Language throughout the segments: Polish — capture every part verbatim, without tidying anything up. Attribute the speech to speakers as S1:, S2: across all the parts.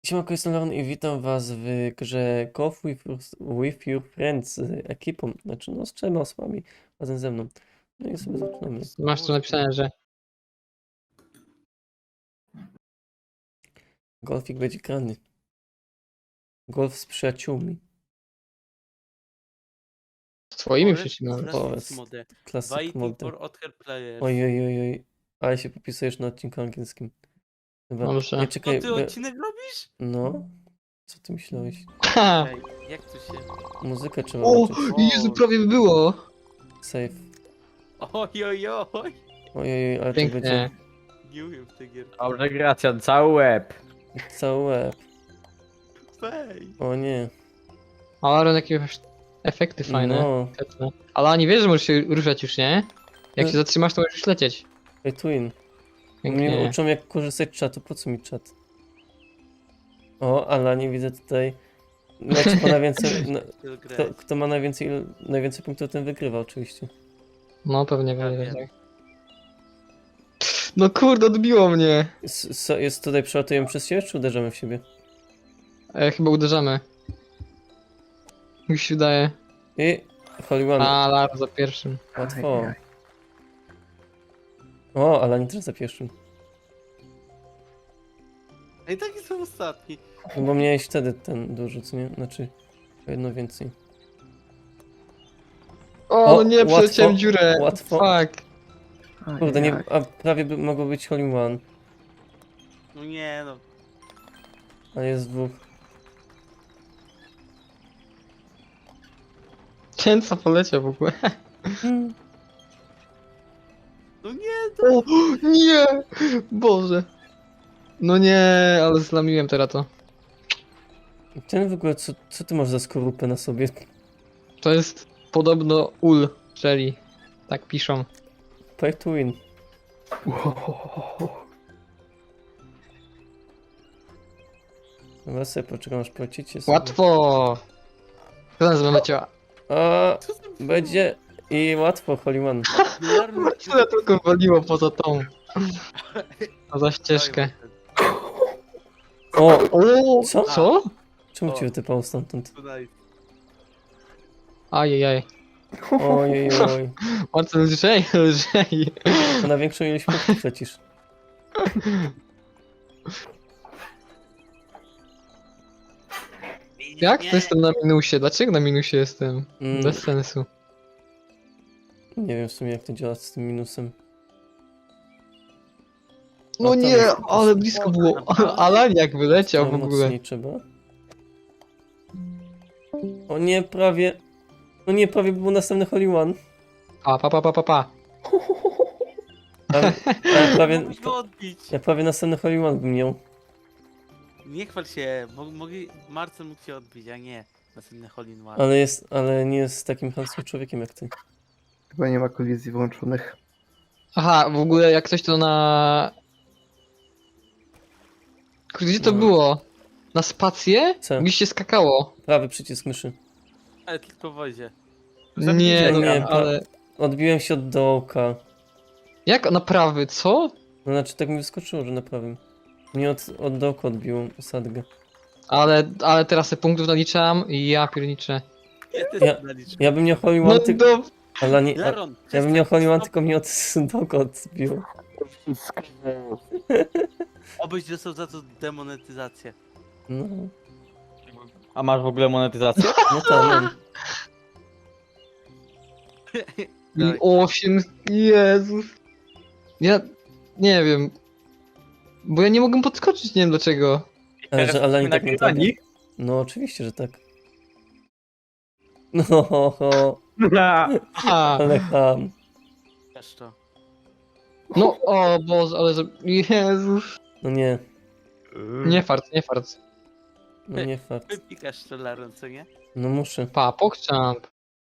S1: Siemanko, jestem Leon i witam was w grze Golf with, Your- with Your Friends z ekipą, znaczy no z trzema osobami razem ze mną. No i sobie zaczynamy.
S2: Masz tu napisane, że
S1: Golfik będzie grany. Golf z przyjaciółmi.
S2: z twoimi
S3: Forest
S2: przyczyną.
S3: Classic
S1: O, jest
S3: mode.
S1: Classic
S3: Waiting
S1: mode.
S3: for other players.
S1: Oj, oj, oj, oj. Ale się popisujesz na odcinku angielskim. Chyba.
S2: Dobrze.
S1: Nie,
S3: Co
S1: czekaj.
S3: ty
S1: be-
S3: odcinek robisz?
S1: No. Co ty myślałeś?
S2: Ha!
S3: Ej, jak to się...
S1: Muzykę trzeba
S2: O,
S1: włączyć.
S2: Jezu, prawie by było.
S1: Save.
S3: Oj, oj, oj.
S1: Oj, oj, oj, ale to
S2: Pięknie.
S1: będzie
S3: Nie umiem w tej gierki.
S4: Dobrze, Gracjan, cały łeb.
S1: cały łeb.
S3: Wej.
S1: O nie.
S2: Ale jakie efekty fajne.
S1: No.
S2: Świetne. Ale nie wiesz, że możesz się ruszać już, nie? Jak
S1: No.
S2: się zatrzymasz, to możesz lecieć.
S1: Pay to win. Mnie
S2: Pięknie.
S1: uczą jak korzystać z czatu, po co mi czat? O, ale nie widzę tutaj. Znaczy, kto, na więcej, na, kto, kto ma najwięcej, najwięcej punktów, ten wygrywa oczywiście.
S2: No pewnie,
S3: Ja
S2: pewnie
S3: wiem.
S2: tak. No kurde, odbiło mnie.
S1: Jest, so- jest tutaj, przelatujemy przez siebie, czy uderzamy w siebie?
S2: E, chyba uderzamy. Mi się wydaje.
S1: I Holy One,
S2: A, Lar za pierwszym.
S1: łatwo. O, ale nie też za pierwszym.
S3: Ej, taki są ostatni.
S1: No bo miałeś wtedy ten dużo, co nie? Znaczy, o jedno więcej.
S2: O,
S1: O,
S2: no nie,
S1: łatwo,
S2: przeleciałem dziurę.
S1: łatwo.
S2: Fuck.
S1: Kurde, nie, a prawie by mogło być Holy One,
S3: No nie no.
S1: ale jest dwóch.
S2: Ten co poleciał w ogóle.
S1: Hmm.
S3: No nie, to...
S2: O, nie! Boże. No nie, ale zlamiłem teraz to.
S1: Ten w ogóle, co, co ty masz za skorupę na sobie?
S2: To jest podobno ul, czyli tak piszą.
S1: Pay to win. Dobra, sobie poczekam aż polecicie sobie.
S2: Łatwo! Kto nas wyleciała?
S1: A,
S3: Co to
S1: będzie i łatwo, Holy One.
S3: było?
S2: Tyle tylko waliło poza tą. Poza ścieżkę.
S1: O,
S2: O,
S1: Co?
S2: Co?
S1: czemu
S3: O.
S1: cię wytypało stamtąd?
S3: Tutaj.
S2: Ajajaj.
S1: Ojej, oj.
S2: Marcel, lżej, lżej.
S1: To na większą ilość punktów lecisz.
S2: Jak
S3: Nie.
S2: to jestem na minusie? Dlaczego na minusie jestem?
S1: Mm,
S2: Bez sensu.
S1: nie wiem w sumie jak to działa z tym minusem.
S2: No
S1: A tam
S2: nie,
S1: jest-
S2: ale blisko było. Alan jak wyleciał w
S1: Tam
S2: ogóle.
S1: mocniej trzeba. O nie, prawie. No nie, prawie był następny Holy One.
S2: Pa, pa, pa, pa, pa, pa.
S1: Ale, ale prawie,
S3: Mógłbyś go odbić.
S1: ja prawie następny Holy One bym miał.
S3: Nie chwal się, mo- mogli... Marcel mógł cię odbić, a nie. Następny Holy in One.
S1: Ale jest, ale nie jest takim chamskim człowiekiem jak ty.
S5: Chyba nie ma kolizji włączonych.
S2: Aha, w ogóle jak coś to na... Kurde, gdzie to
S1: No.
S2: było? Na spację?
S1: Co?
S2: Gdzieś się skakało.
S1: Prawy przycisk myszy.
S3: Ale tylko w wozie.
S2: Nie,
S1: no,
S2: no,
S1: nie,
S2: ale...
S1: Odbiłem się od dołka.
S2: Jak na prawy, co?
S1: No znaczy tak mi wyskoczyło, że na prawym. Nie od, od dołka odbiło sadgę.
S2: Ale, ale teraz te punktów naliczam i ja pierniczę.
S3: Ja też
S1: Ja-
S3: naliczę.
S1: Ja bym miał Holy
S2: No
S1: One, ty...
S2: do...
S1: ale nie, a,
S3: Laron,
S1: ja bym miał Holy One,
S3: stop.
S1: tylko mnie od dołka odbiło.
S3: Obyś dostał za to demonetyzację.
S1: No,
S4: A masz w ogóle monetyzację?
S1: no tak, mam.
S2: I osiem... Jezus. Ja... Nie wiem. Bo ja nie mogę podskoczyć, nie wiem dlaczego.
S1: Ale że Alani tak nie tak.
S4: nagrywani?
S1: No oczywiście, że tak. No, ho, ho,
S2: Aha.
S1: ale ham.
S3: Też to.
S2: No, o Boże, ale że... Jezus.
S1: No nie,
S2: Nie fart, nie fart.
S1: no nie fakt.
S3: Wypikasz to Laron, co nie?
S1: No muszę.
S2: Pa, pokczamp.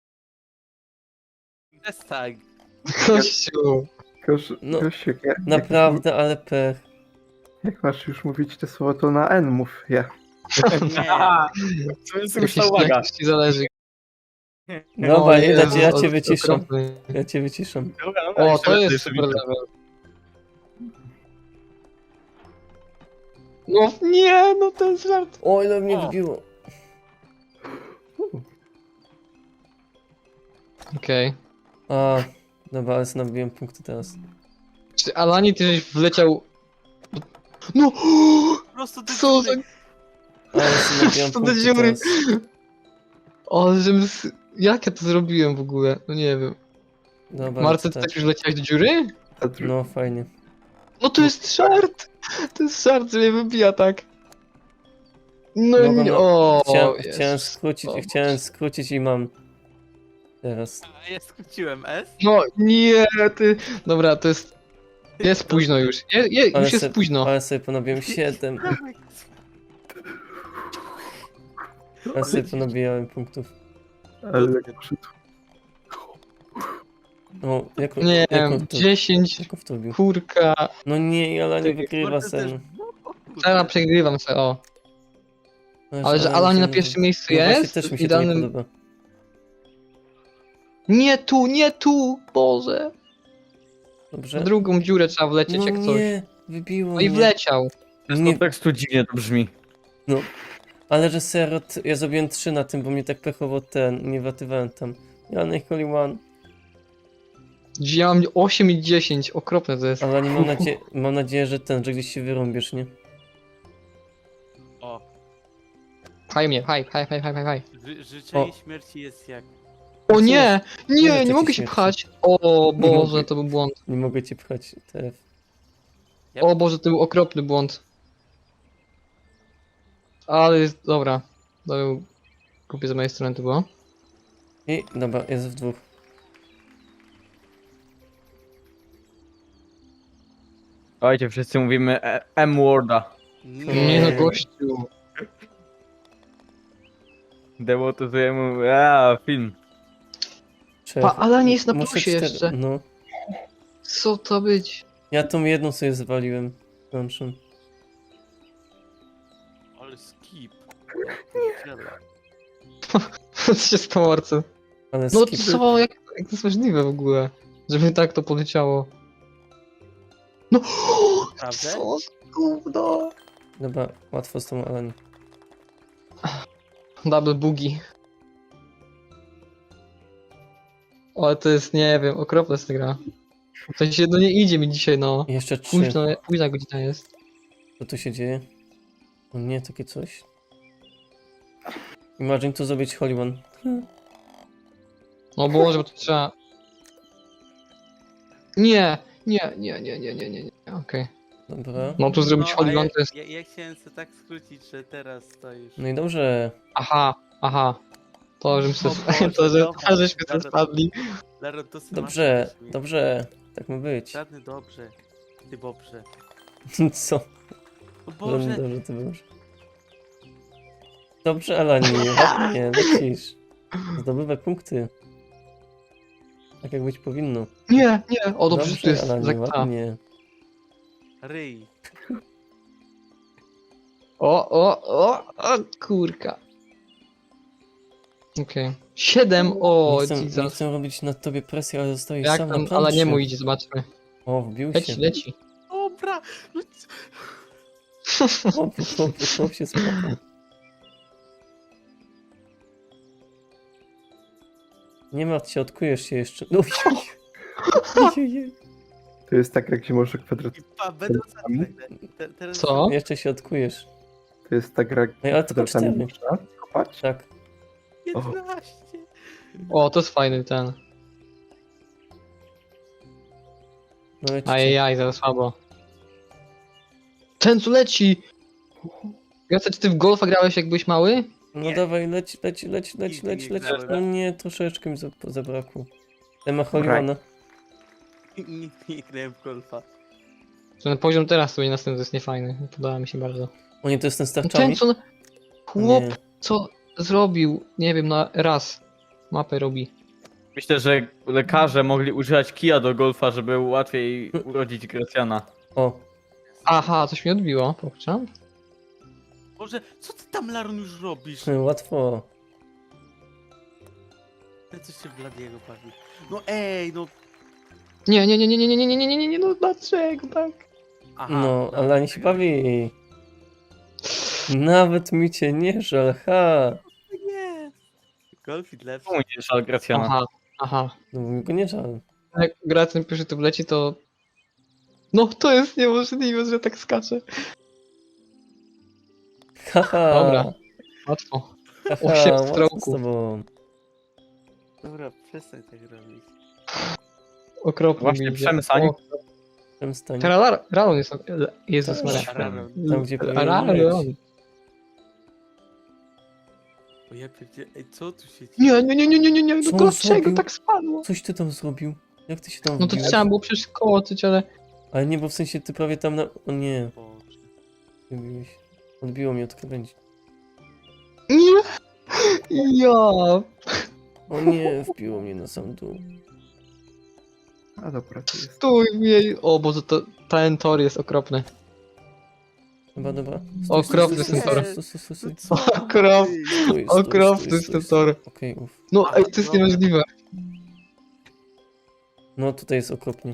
S3: Bez tak.
S2: Kościół.
S5: Kosz,
S1: No,
S5: Kosiek, jak,
S1: Naprawdę, ale pech.
S5: Jak, jak masz już mówić te słowo, to na N mów. Ja.
S3: Nie.
S4: To jest
S2: Musisz,
S4: już uwaga.
S2: jak ci zależy.
S1: Dobra,
S2: O
S1: nie dać,
S2: Jezu,
S1: ja
S2: o-
S1: cię wyciszam.
S2: okropny.
S1: Ja cię wyciszam.
S2: O, to jest super level. No nie, no ten żart.
S1: O, ile mnie
S3: O.
S1: wybiło.
S2: Okej.
S1: A, dobra, ale sobie nabiłem punkty teraz.
S2: Czy Alani, ty żeś wleciał... No!
S3: Po prostu ty
S2: Co za...
S1: Ale sobie nabiłem
S2: Co do
S1: punkty
S2: dziury.
S1: teraz.
S2: O, żebym... s- Jak ja to zrobiłem w ogóle? No nie wiem.
S1: Dobra,
S2: Marce,
S1: to
S2: ty
S1: tak.
S2: tak już leciałeś do dziury?
S5: A dru-
S1: No, fajnie.
S2: No to jest żart! To jest żart, że mnie wybija tak. No
S1: Mogłem
S2: nie,
S1: na-
S2: o,
S1: Chciałem,
S2: Jezus.
S1: chciałem skrócić,
S2: O,
S1: chciałem skrócić i mam. Teraz.
S3: A ja skróciłem S.
S2: No nie, ty... Dobra, to jest... Jest późno już. Je, je,
S1: Ale
S2: już jest
S1: se-
S2: późno.
S1: Ale sobie ponabiłem siedem. Ale sobie ponabijałem punktów.
S5: Ale jak przyszedł.
S1: O, jak,
S2: Nie
S1: jak
S2: wiem,
S1: on to,
S2: dziesięć,
S1: jak on w to bił?
S2: kurka.
S1: No nie, ale nie
S3: Czekaj,
S1: wygrywa
S3: Marcel też-
S1: sen.
S2: Teraz przegrywam se, o. Ale że Alani na pierwszym miejscu
S1: no właśnie
S2: jest?
S1: też mi
S2: w
S1: się to nie
S2: idealnym...
S1: podoba.
S2: Nie tu, nie tu! Boże!
S1: Dobrze?
S2: W drugą dziurę trzeba wlecieć
S1: No
S2: jak coś.
S1: nie, wybiło
S2: No i
S1: mnie.
S2: wleciał.
S4: Z
S1: Nie,
S4: kontekstu dziwnie to brzmi.
S1: ale że serio, t- ja zrobiłem trzy na tym, bo mnie tak pechowo ten, nie watywałem tam. Ja na Holy One,
S2: Ja mam osiem i dziesięć, okropne to jest.
S1: ale nie mam, nadzie mam nadzieję, że ten, że gdzieś się wyrąbiesz, nie?
S3: O,
S2: Pchaj mnie, pchaj, pchaj, pchaj, pchaj, pchaj.
S3: ży życzenie
S1: O.
S3: śmierci jest jak...
S2: O nie!
S1: Ile
S2: Nie,
S1: takich
S2: nie mogę się
S1: śmierci?
S2: pchać! O
S1: Nie
S2: Boże,
S1: mogę.
S2: to był błąd.
S1: Nie mogę cię pchać, T F.
S3: Ja-
S2: O Boże, to był okropny błąd. Ale jest, dobra. To był... Kupię z mojej strony to było.
S1: I dobra, jest w dwóch.
S4: Ojcie, wszyscy mówimy e- M-Worda.
S2: Nie no, gościu.
S4: Demotyzujemy, a film.
S1: Trzech.
S2: Pa, ale nie jest na
S1: Muszę
S2: plusie
S1: cztery-
S2: jeszcze.
S1: No.
S2: Co to być?
S1: Ja tą jedną sobie zwaliłem. Kończę.
S3: Ale skip.
S2: Co się stało, Arce?
S1: Ale
S2: No
S1: skip.
S2: co? Jak, jak to jest możliwe w ogóle? Żeby tak to poleciało. No!
S3: Prawda?
S2: Co za gówno?
S1: Dobra, łatwo z tą Alani.
S2: Double boogie. Ale to jest, nie wiem, okropna jest ta gra. W sensie, no nie idzie mi dzisiaj, no.
S1: I jeszcze trzy.
S2: Późno, późna godzina jest.
S1: Co tu się dzieje? O nie, takie coś. Imagine to zrobić Holy One.
S2: No Boże, bo to trzeba... Nie, nie, nie, nie, nie, nie, nie, nie, okej.
S1: Dobra.
S2: No tu zrobić
S3: No, a
S2: Holy
S3: ja,
S2: One to jest...
S3: ja, ja chciałem sobie tak skrócić, że teraz to już...
S1: No i dobrze.
S2: Aha, aha. To, żeśmy
S3: O
S2: se...
S3: Boże,
S2: to, że,
S3: dobra,
S2: to, żeśmy se
S3: dobra.
S2: spadli.
S3: Laro, to sobie
S1: Dobrze,
S3: masz-
S1: dobrze. Tak ma być.
S3: Żadny dobrze. Ty dobrze.
S1: Co?
S3: O
S1: Żadne
S3: Boże,
S1: dobrze, to dobrze. Dobrze, Alani, ładnie, lecisz. Zdobywaj punkty. Tak jak być powinno.
S2: Nie, nie, o dobrze, to jest
S1: Alani,
S2: zakta.
S1: ładnie.
S3: ryj.
S2: O, o, o, o, kurka. Okej. Siedem, o,
S1: nie, chcę, nie
S2: Jesus.
S1: chcę robić na tobie presji, ale zostajesz
S2: Jak
S1: sam
S2: tam,
S1: na
S2: ale nie
S1: planszy.
S2: mój idzie, zobaczmy.
S1: O, wbił
S2: Leci,
S1: się.
S2: leci.
S3: Dobra. No co?
S1: Chłop, chłop, chłop się spoko. Nie martw się, odkujesz się jeszcze. No, ojej.
S5: To jest tak, jak się może kwadrat...
S3: I pa, będę ostatni. Te, teraz...
S2: Co?
S1: Jeszcze się odkujesz.
S5: To jest tak, jak
S1: Ej, ale tylko
S5: kwadratami
S1: cztery.
S5: można kopać?
S1: Tak.
S3: piętnaście.
S2: O, to jest fajny ten.
S1: No lecicie.
S2: Ajajaj, za słabo. Ten co leci! Jacek, czy ty w golfa grałeś jak byłeś mały?
S1: No
S3: Nie.
S1: dawaj, leć, leć, leć, leć,
S3: Nigdy
S1: leć,
S3: nie
S1: leć.
S3: grałem.
S1: No nie, troszeczkę mi za- zabrakło. Ten ma
S5: Right.
S1: Holimana.
S3: Nigdy nie grałem w golfa.
S2: Ten poziom teraz sobie następny to jest niefajny. Podoba mi się bardzo.
S1: O nie, to jest ten z
S2: Ten
S1: tarczami?
S2: co... Chłop,
S1: Nie.
S2: co zrobił, nie wiem, na raz mapę robi.
S4: Myślę, że lekarze mogli używać kija do golfa, żeby łatwiej urodzić Gracjana.
S1: O,
S2: Aha, coś mi odbiło, pokczam.
S3: Boże, co ty tam, Laron, już robisz?
S1: łatwo.
S3: Ten coś się w Bladiego bawi. No ej, no...
S2: Nie, nie, nie, nie, nie, nie, nie, nie, nie, nie, nie, no dlaczego tak?
S3: Aha,
S1: No,
S3: dobra.
S1: ale ani się bawi. Nawet mi cię nie żal, ha!
S3: Nie. Golfit lepszy.
S4: Czemu nie żal Gracjana?
S2: Aha, aha.
S1: No bo mi go nie żal.
S2: Jak Gracjan pierwszy tu wleci, to... No to jest niemożliwe, że tak skacze.
S1: Haha!
S2: Dobra. Łatwo.
S1: Haha,
S2: Osiem
S1: łatwo z
S2: stroków.
S1: tobą.
S3: Dobra, przestań tak robić.
S2: Okropnie
S4: Właśnie
S2: mi idzie.
S4: przemysań.
S2: O,
S1: Przestań.
S2: Teraz Ralon jest... Jezus
S1: Tak.
S2: Maria.
S3: Raron.
S1: Tam, gdzie powinien
S2: Ralon.
S1: być.
S3: O ja pierdzie... Ej, co tu się dzieje?
S2: Nie, nie, nie, nie, nie, nie, nie.
S1: Co
S2: No
S1: on
S2: dlaczego
S1: zrobił?
S2: tak spadło?
S1: Coś ty tam zrobił? Jak ty się tam
S2: No to
S1: wbiłeś?
S2: trzeba było przeskoczyć, ale...
S1: Ale nie, bo w sensie ty prawie tam na... O nie,
S3: Boże.
S1: nie biłeś. Odbiło mnie od krawędzi.
S2: Nie! Ja...
S1: O nie, wbiło mnie na sam dół.
S5: A dobra, to jest.
S2: Stój w jej... O Boże, to, ten tor jest okropny.
S1: Dobra, dobra.
S2: Okropny
S1: stój,
S2: ten tor.
S1: stój, stój, stój, stój,
S3: No
S1: stój.
S3: co?
S2: Okrop...
S3: Ej,
S1: Stój, stój,
S2: Okropny
S1: stój,
S2: jest ten
S1: stój,
S2: tor.
S1: Okej, uff.
S2: No ej, to jest niemożliwe.
S1: No tutaj jest okropnie.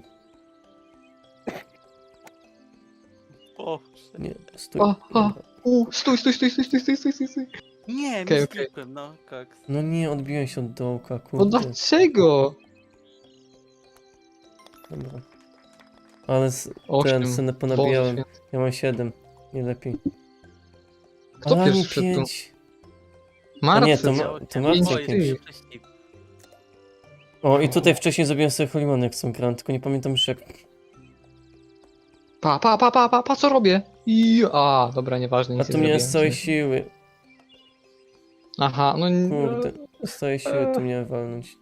S3: Boże.
S1: Nie, stój.
S2: O, o.
S1: Dobra.
S2: U, stój, stój, stój, stój, stój, stój, stój, stój, stój.
S3: Nie,
S2: Okej,
S3: mi
S2: okej.
S3: okay, no, koks.
S1: No nie, odbiłem się od dołka,
S2: No
S1: kurde.
S2: dlaczego?
S1: Dobra. Ale z,
S2: Osiem.
S1: ten, cenę
S2: Boże
S1: ponabijałem.
S2: święty.
S1: Ja mam siedem. Nie lepiej.
S2: Kto
S1: Ale
S2: pierwszy
S1: nie
S2: wszedł tu?
S1: pięć.
S2: Marcy.
S1: nie, to ma-
S3: Działo-
S1: to
S3: O,
S1: Marcin
S3: jeszcze
S2: pięć.
S3: wcześniej.
S1: O, i tutaj wcześniej zrobiłem sobie Holimany, jak są grałem, tylko nie pamiętam już jak.
S2: Pa, pa, pa, pa, pa, pa, co robię? I... A, dobra, nieważne,
S1: A
S2: nic
S1: tu
S2: nie
S1: miałem
S2: zrobiłem.
S1: z całej siły.
S2: Aha, no... n-
S1: Kurde, z całej siły tu miałem walnąć.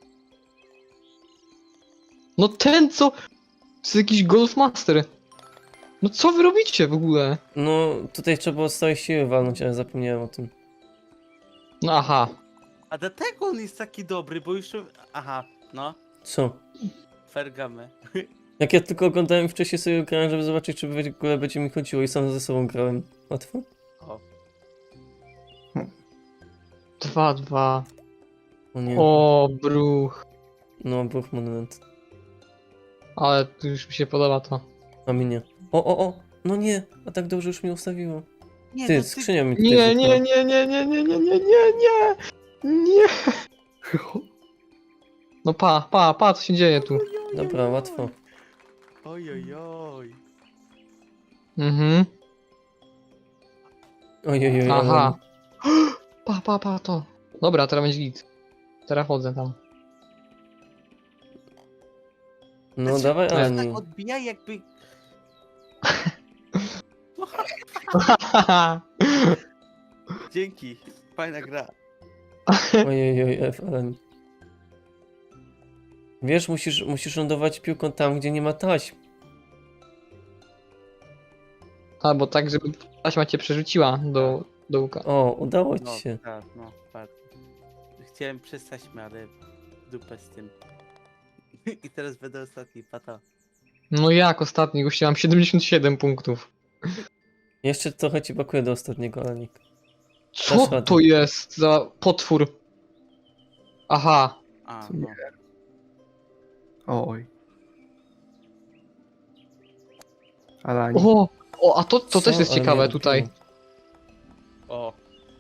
S2: No ten co... To jest jakiś Golfmaster. No co wy robicie w ogóle?
S1: No, tutaj trzeba było z całej siły walnąć, ale zapomniałem o tym.
S2: No aha.
S3: A dlatego on jest taki dobry, bo już... Aha, no.
S1: Co?
S3: Fergamy.
S1: Jak ja tylko oglądałem wcześniej sobie grałem, żeby zobaczyć, czy w ogóle będzie mi chodziło i sam ze sobą grałem. Łatwo?
S3: O.
S2: Dwa, dwa.
S1: O nie.
S2: O, bruch.
S1: No, bruch monument.
S2: Ale tu już mi się podoba to.
S1: A mi nie. O, o, o! No nie! A tak dobrze już mnie ustawiło.
S3: Nie,
S1: Ty,
S3: no
S1: skrzynia mi tutaj
S2: Nie,
S1: zniknęła.
S2: nie, nie, nie, nie, nie, nie, nie, nie, nie. Nie. No pa, pa, pa, co się dzieje tu?
S1: Dobra, łatwo.
S3: Oj, oj, oj.
S2: Mhm.
S1: Ojej, oj,
S2: Aha. Pa, pa, pa, to. Dobra, teraz będzie git. Teraz chodzę tam.
S1: No
S3: Znaczy,
S1: dawaj,
S3: to
S1: ale
S3: jest
S1: nie.
S3: tak odbija jakby... Dzięki. Fajna gra.
S1: Ojej, oj, F, ale nie. Wiesz, musisz, musisz lądować piłką tam, gdzie nie ma taśm.
S2: Albo tak, żeby taśma cię przerzuciła do dołka.
S1: O, udało ci
S3: No,
S1: się.
S3: tak, no, patrz. Chciałem przestać, ale dupę z tym. I teraz będę ostatni, pata.
S2: No jak ostatni, gościu, mam siedemdziesiąt siedem punktów.
S1: Jeszcze trochę ci brakuje do ostatniego, Alanik.
S2: Co
S1: Dasz radę.
S2: to jest za potwór? Aha.
S3: A,
S5: Co
S3: no.
S5: Oj. Ale ani.
S2: O, o a to, to
S1: Co?
S2: też jest
S1: Ale
S2: ciekawe
S1: mnie
S2: tutaj.
S1: odbiło.
S3: O.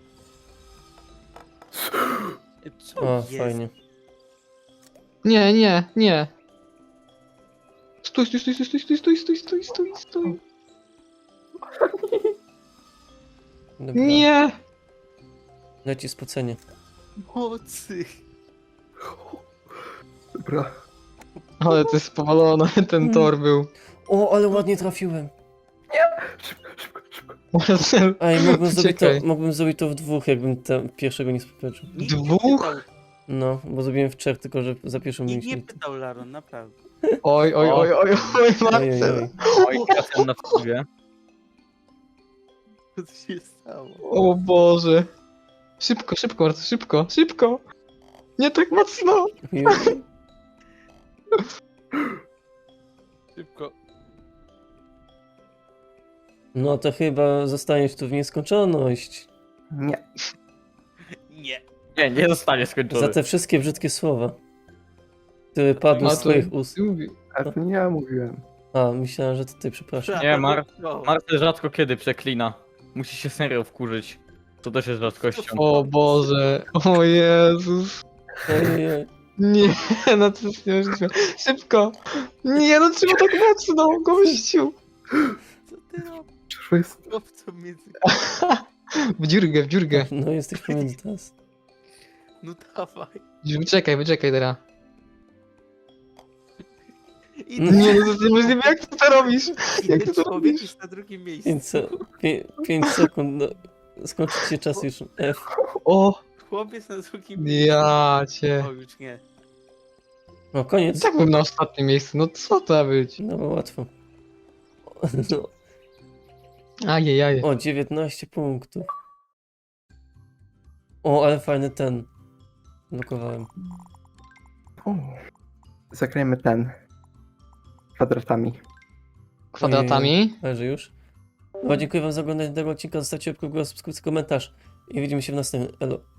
S3: Co
S1: O,
S3: jest?
S1: fajnie.
S2: Nie, nie, nie. Stój, stój, stój, stój, stój, stój, stój, stój, stój, stój, stój.
S1: Dobra.
S2: Nie.
S1: Leci spocenie.
S3: Mocy.
S5: Dobra.
S2: Ale to jest powalone, ten
S1: Mm.
S2: tor był.
S1: O, ale ładnie trafiłem.
S5: Szybko, szybko, szybko.
S1: Ej, mógłbym zrobić, to,
S2: Czekaj.
S1: mógłbym zrobić to w dwóch, jakbym te, pierwszego nie spopeczył.
S3: Nikt nie
S2: Dwóch?
S3: pytał,
S1: No, bo zrobiłem w trzech, tylko że za pierwszą
S3: nikt nie
S1: mieliśmy.
S3: pytał, Laron, naprawdę.
S2: Oj, oj, oj, oj, oj,
S1: Ojej,
S2: Marcel.
S1: oj.
S4: Oj, Gracjan na wpływie.
S3: Co tu się stało?
S2: O Boże. Szybko, szybko, Marcel, szybko, szybko. Nie tak mocno.
S1: Ojej.
S3: Szybko.
S1: No to chyba zostaniesz tu w nieskończoność.
S5: Nie.
S3: Nie.
S4: Nie, nie zostanie skończony.
S1: Za te wszystkie brzydkie słowa, które padły
S2: A
S1: z
S2: to-
S1: twoich ust.
S5: A to nie ja mówiłem.
S1: A, myślałem, że to ty, przepraszam.
S4: Nie, Mar-
S3: No.
S4: Marcel rzadko kiedy przeklina. musi się serio wkurzyć. To też jest rzadkością.
S2: O Boże, o Jezus.
S1: Ojej.
S2: Nie, no to jest niemożliwe. Szybko. Nie, no trzeba tak mocno, gościu.
S3: Co ty robisz?
S5: Przecież jest...
S3: Chłopcu między...
S2: W dziurgę, w dziurgę.
S1: No jesteś pomiędzy teraz.
S3: No dawaj.
S2: Wyczekaj, wyczekaj teraz.
S3: I
S1: No.
S2: Nie, no to jest niemożliwe, jak ty to robisz? Jak ty to
S3: człowiek
S2: robisz?
S3: jest na drugim miejscu.
S1: pięć, se pię pięć sekund, no. Skończy się czas już. F.
S2: O,
S3: Chłopiec na drugim miejscu.
S2: ja cię.
S3: O, już nie.
S1: No koniec.
S2: Tak bym na ostatnim miejscu, no co to ma być?
S1: No bo łatwo. No.
S2: Ajej,
S1: O, dziewiętnaście punktów. O, ale fajny ten. Blokowałem.
S5: O. Zagrajmy ten. Kwadratami.
S2: Kwadratami.
S1: Leży już. No, dziękuję wam za oglądanie tego odcinka. Zostawcie łapkę w górę, subskrypcję, komentarz. I widzimy się w następnym. Elo.